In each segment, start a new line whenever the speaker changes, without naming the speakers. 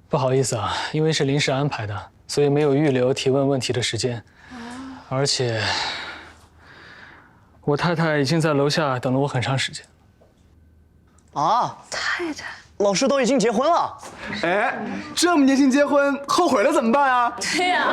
不好意思啊，因为是临时安排的，所以没有预留提问问题的时间。而且，我太太已经在楼下等了我很长时间。
啊，
太太，
老师都已经结婚了。
哎，这么年轻结婚，后悔了怎么办啊？
对呀。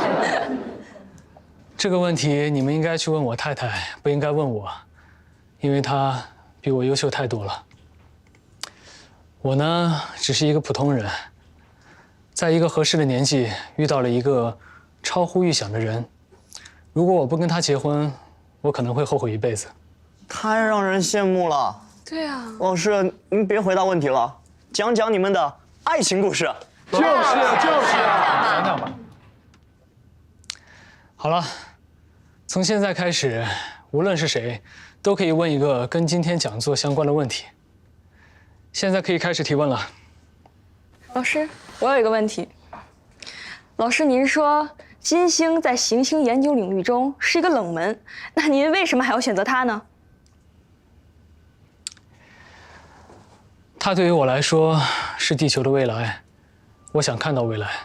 这个问题你们应该去问我太太，不应该问我，因为她比我优秀太多了。我呢，只是一个普通人，在一个合适的年纪遇到了一个超乎预想的人。如果我不跟他结婚，我可能会后悔一辈子。
太让人羡慕了。
对啊。
老师，您别回答问题了，讲讲你们的爱情故事。
就是，
讲讲吧。好了，从现在开始，无论是谁，都可以问一个跟今天讲座相关的问题。现在可以开始提问了。
老师，我有一个问题。老师，您说金星在行星研究领域中是一个冷门，那您为什么还要选择它呢？
它对于我来说是地球的未来，我想看到未来。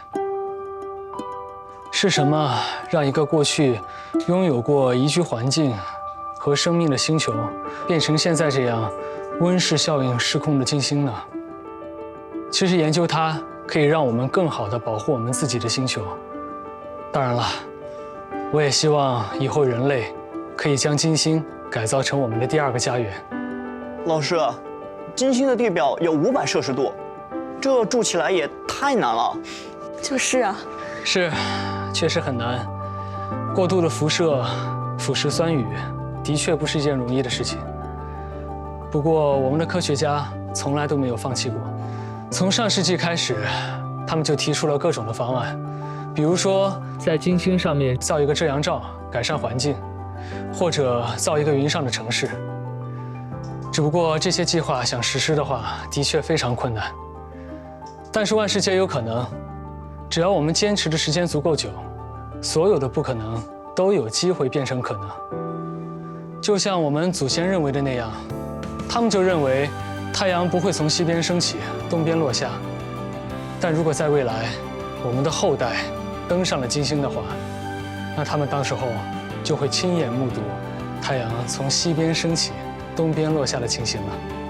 是什么让一个过去拥有过宜居环境和生命的星球，变成现在这样温室效应失控的金星呢？其实研究它可以让我们更好地保护我们自己的星球。当然了，我也希望以后人类可以将金星改造成我们的第二个家园。
老师，金星的地表有500°C，这住起来也太难了。
就是啊。
是，确实很难。过度的辐射腐蚀酸雨，的确不是一件容易的事情。不过，我们的科学家从来都没有放弃过。从上世纪开始，他们就提出了各种的方案，比如说在金星上面造一个遮阳罩，改善环境，或者造一个云上的城市。只不过这些计划想实施的话，的确非常困难。但是万事皆有可能，只要我们坚持的时间足够久，所有的不可能都有机会变成可能。就像我们祖先认为的那样，他们就认为太阳不会从西边升起，东边落下。但如果在未来，我们的后代登上了金星的话，那他们到时候就会亲眼目睹太阳从西边升起，东边落下的情形了。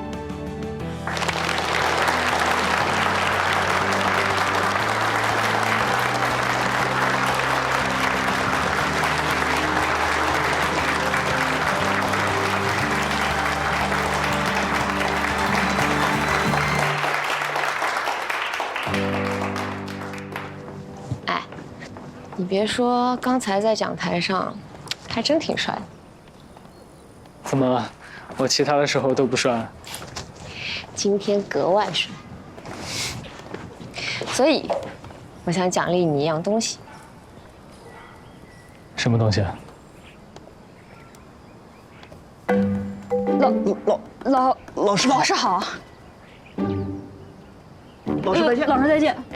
你别说，刚才在讲台上，还真挺帅的。
怎么，我其他的时候都不帅？
今天格外帅。所以，我想奖励你一样东西。
什么东西啊？
老师好。
老师好。
老师再见。
老师再见。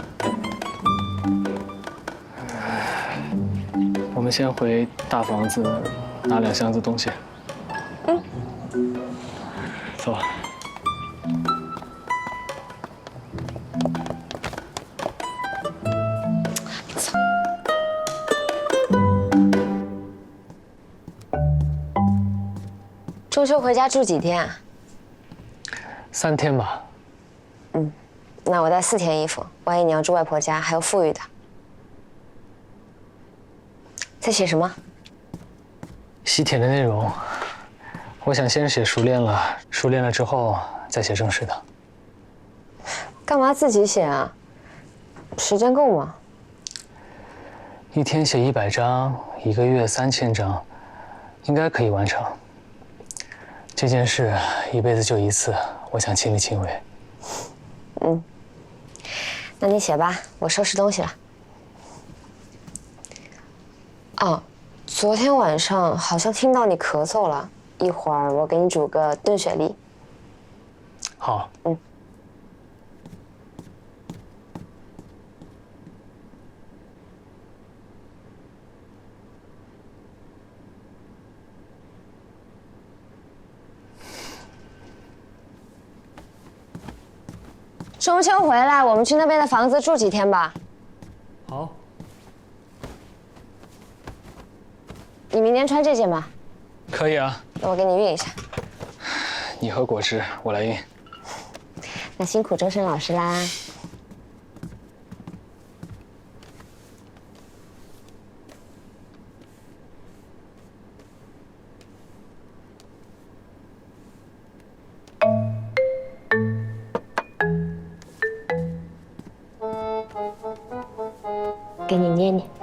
我们先回大房子拿2箱子东西。
嗯。
走。
中秋回家住几天啊
？3天吧。
那我带4天衣服，万一你要住外婆家，还有富裕的。在写什么？
西帖的内容，我想先写熟练了，熟练了之后再写正式的。
干嘛自己写啊？时间够吗
？1天写100张，1个月3000张，应该可以完成。这件事一辈子就一次，我想亲力亲为。
那你写吧，我收拾东西了。哦，昨天晚上好像听到你咳嗽了，一会儿我给你煮个炖雪梨。
好。
中秋回来，我们去那边的房子住几天吧。
好，
你明天穿这件吧，
可以啊。
那我给你熨一下。
你喝果汁，我来熨。
那辛苦周深老师啦。给你捏捏。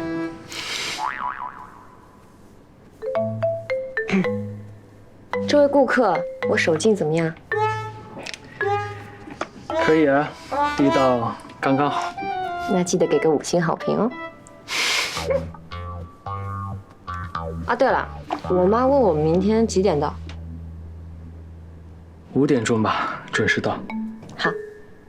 这位顾客，我手劲怎么样？
可以啊，力道刚刚好。
那记得给个5星好评哦。啊，对了，我妈问我明天几点到。
5点钟吧，准时到。
好，